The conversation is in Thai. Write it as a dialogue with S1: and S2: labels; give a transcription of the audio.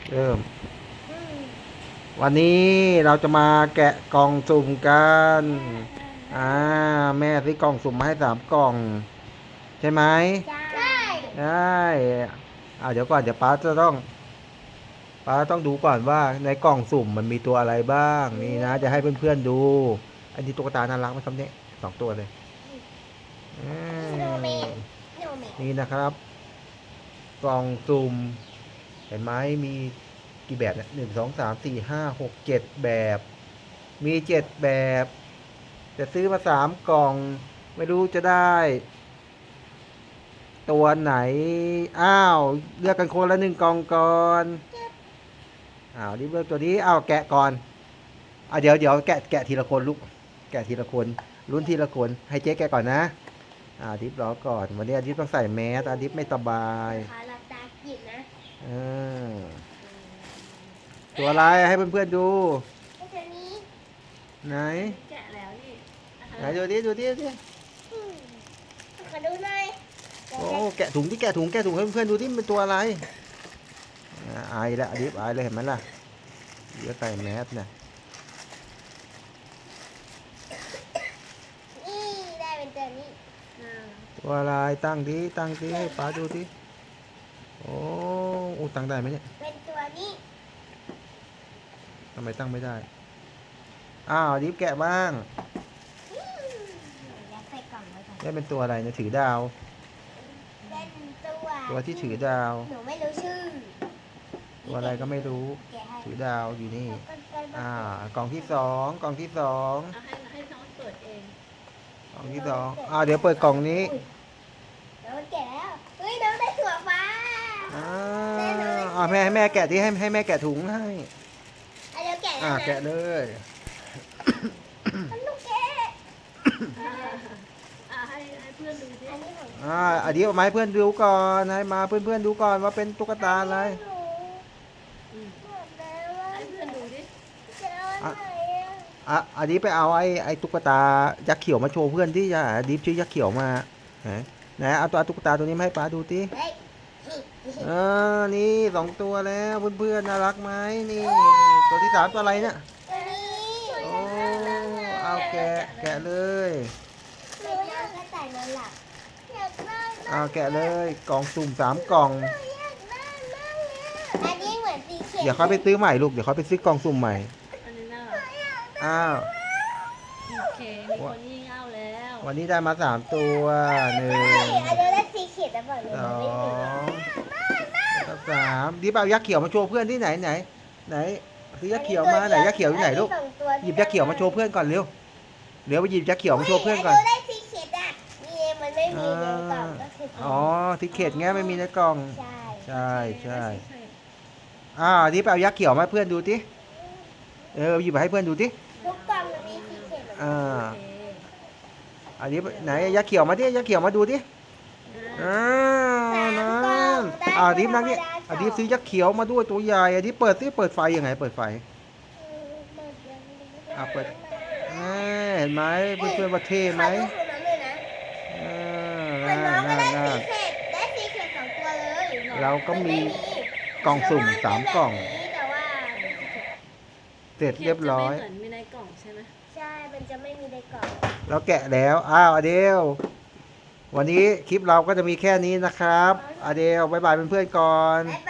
S1: เริ่ม
S2: อืม
S1: วันนี้เราจะมาแกะกล่องสุ่มกันอ่าแม่ซื้อกล่องสุ่มมาให้3 กล่องใช่ไหม
S2: ใช่
S1: ได้เดี๋ยวก่อนเดี๋ยวป้าต้องดูก่อนว่าในกล่องสุ่มมันมีตัวอะไรบ้างนี่นะจะให้เพื่อนๆดูอันนี้ตุ๊กตาน่ารักไหมครับเนี่ย2 ตัวเลยอื
S2: สโนว์แมน
S1: ม
S2: สโนว์แมน
S1: นี่นะครับกล่องสุ่มเห็นไหมมีกี่แบบเนี่ย1 2 3 4 5 6 7 แบบมี7 แบบจะซื้อมา3 กล่องไม่รู้จะได้ตัวไหนเลือกกันคนละ1 กล่องก่อนนี่เลือกตัวนี้แกะก่อนเดี๋ยวแกะทีละคนลูกแกะทีละคนลุ้นทีละคนให้เจ๊แกะก่อนนะดิฟรอก่อนวันนี้ดิฟต้องใส่แมสดิฟไม่สบาย
S2: ขาหลับตากินนะ
S1: เออตัวอะไรให้เพื่อนๆดู
S2: ไอ้ตัวนี้
S1: ไหน
S3: แกะแล้วนี่
S1: ไหนดูดิ
S2: อืมขอดูหน่อยเดี๋ยว
S1: โอ้
S2: จะ
S1: แกะถุงให้เพื่อนๆดูที่มันตัวอะไรอายแล้วดิฟอายเลยเห็นไหมล่ะเดี๋ยวใส่แมสเนี่ย
S2: นี่ได้เป็นตัวนี้
S3: อ่า
S1: ตัวอะไรตั้งดิให้ป้าดูดิโอ้ตั้งได้ไหมเนี่ย
S2: เป็นตัวนี้
S1: ทำไมตั้งไม่ได้ดิฟแกะบ้าง
S2: อืมยัดใส่กล่องไว้ก่อน
S1: นี่เป็นตัวอะไรเนี่ยถือดาว
S2: เป็นตัว
S1: ตัวที่ถือดาว
S2: หนูไม่รู้ชื่อ
S1: ตัวอะไรก็ไม่รู้
S2: แกะให้
S1: ถือดาวอยู่นี่
S2: แล้วก็เป็น
S1: อ่ากล่องที่สอง
S3: เอาให้น้องเปิดเอง
S1: กล่องที่สองเดี๋ยวเปิดกล่องนี้
S2: อุ๊ยแล้วมันแกะแล้วเฮ้ยน้องได้ถั่วฟ้า
S1: อ่า
S2: แม่น้องได้
S1: ให้แม่แกะที่ให้แม่แกะถุงให้
S2: เดี๋ยวแกะแล้วนะ
S1: แกะเลย
S2: มันลูกแกะ
S3: ให้เพื่อนดูสิ
S2: อันนี้ของ
S1: อันนี้เอามาให้เพื่อนดูก่อนให้มาเพื่อนๆดูก่อนว่าเป็นตุ๊กตาอะไร
S2: หนู
S3: อืม
S2: หมดแล้วอะ
S3: ให้เพื่อนดูดิ
S2: จะเอาอันไหนอะ
S1: อันนี้ไปเอาไอ้ตุ๊กตายักษ์เขียวมาโชว์เพื่อนที่จะดิฟชื่อยักษ์เขียวมาไหนเอาตัวตุ๊กตาตัวนี้มาให้ป้าดูดิ
S2: เฮ้ย
S1: นี่2 ตัวแล้วเพื่อนๆน่ารักไหมนี่ตัวที่3ตัวอะไรเนี่ย
S2: ตัวนี้
S1: โอ้แกะเลย
S2: หนูอยากได้นอนหลับอยากได้
S1: แกะเลยกล่องสุ่ม3 กล่อง
S2: อยากได้มากเลยอันนี้เหมือนสีเขียว
S1: เดี๋ยวเขาไปซื้อใหม่ลูกเดี๋ยวเขาไปซื้อกล่องสุ่มใหม่
S3: อันนี้น่ารัก
S1: อ้าว
S3: โอเคมีคนยิ่งเอาแล้ว
S1: วันนี้ได้มา3 ตัว1
S2: เฮ้ยอันนี้ได้สีเขียวแต่บอกเลย
S1: สอ
S2: มันไม่มี
S1: งแล้วก็3ดิบเอายักษ์เขียวมาโชว์เพื่อนที่ไหนซื้อยักษ์เขียวมาไหนยักษ์เขียวอยู่ไหนลูกหยิบยักษ์เขียวมาโชว์เพื่อนก่อนเร็วไปหยิบยักษ์เขียวมาโชว์เพื่อนก่อน
S2: อันนี้ได้สีเขียวอ่ะนี่มันไม่มีในกล่องก็คือ
S1: ทิเกตไงไม่มีในกล่อง
S2: ใช่
S1: ใช่
S3: ได้
S1: ดิบเอายักษ์เขียวมาให้เพื่อนดูดิหยิบมาให้เพื่อนดูดิ
S2: ทุกกล่องมันมีสีเขียวเหมือนกัน
S3: โอเค
S1: อันนี้ไหนยักษ์เขียวมาดิยักษ์เขียวมาดูดิ
S2: สามกล่องได้
S1: ดิบนั่งนี่ดิบซื้อยักษ์เขียวมาด้วยตัวใหญ่ดิบเปิดไฟยังไงเปิดไฟเปิดเห็นไหมเพื่อนๆว่าเท่ไหม
S2: ขอดูของน้องเลยนะเหมือนน้องก็ได้สีเขียวได้สีเขียว2 ตัวเลย
S1: เราก็มี
S2: น
S1: กล่องสุ่ม3 กล่อง
S2: แต่ว่า
S1: เสร็จเรียบร้อย
S3: เหมือนมีในกล่องใช่ไหม
S2: ใช่มันจะไม่มีในกล่อง
S1: เราแกะแล้วอเดลวันนี้คลิปเราก็จะมีแค่นี้นะครับอเดลบายบายเพื่อนๆก่อน
S2: บ๊ายบายซื้อ2 จุ่ม 3
S1: อดีบายบายเพื่อนๆสิ
S2: 3 จุ่มได้สีเขียว 2 ตัวเลย
S1: อดีบายบายเพื่อนๆสิ
S2: 3 จุ่มได้สีเขียว 2 ตัวเลย
S3: อันนี้น่ารัก
S1: อ่า
S2: 3 จุ่มได้สี